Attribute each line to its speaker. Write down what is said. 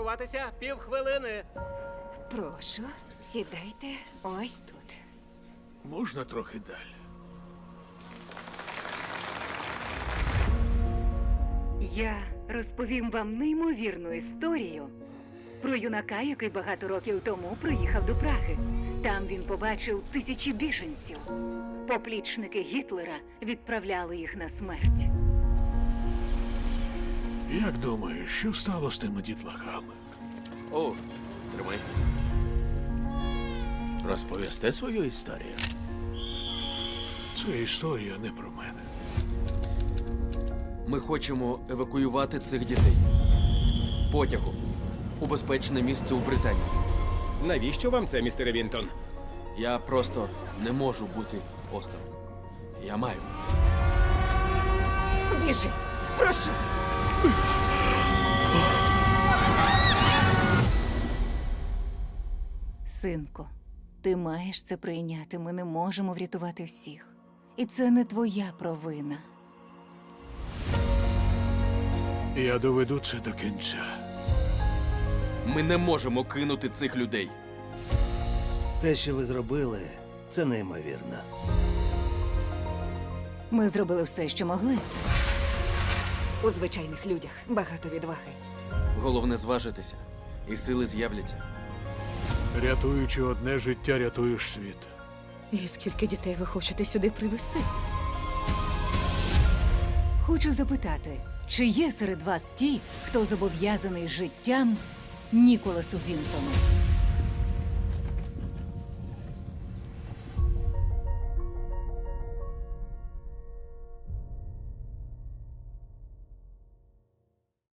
Speaker 1: приготуватися півхвилини.
Speaker 2: Прошу, сідайте ось тут.
Speaker 3: Можна трохи далі?
Speaker 4: Я розповім вам неймовірну історію про юнака, який багато років тому приїхав до Праги. Там він побачив тисячі біженців. Поплічники Гітлера відправляли їх на смерть.
Speaker 3: Як думаєш, що стало з тими дітлахами?
Speaker 5: О, тримай. Розповісти свою історію?
Speaker 3: Це історія не про мене.
Speaker 6: Ми хочемо евакуювати цих дітей. Потягом. У безпечне місце у Британії.
Speaker 7: Навіщо вам це, містере Вінтон?
Speaker 6: Я просто не можу бути осторонь. Я маю.
Speaker 2: Біжи, прошу. Синко, ти маєш це прийняти. Ми не можемо врятувати всіх. І це не твоя провина.
Speaker 3: Я доведу це до кінця.
Speaker 6: Ми не можемо кинути цих людей.
Speaker 8: Те, що ви зробили, це неймовірно.
Speaker 2: Ми зробили все, що могли. У звичайних людях багато відваги.
Speaker 6: Головне зважитися, і сили з'являться.
Speaker 3: Рятуючи одне життя, рятуєш світ.
Speaker 9: І скільки дітей ви хочете сюди привезти?
Speaker 2: Хочу запитати, чи є серед вас ті, хто зобов'язаний життям Ніколасу Вінтону?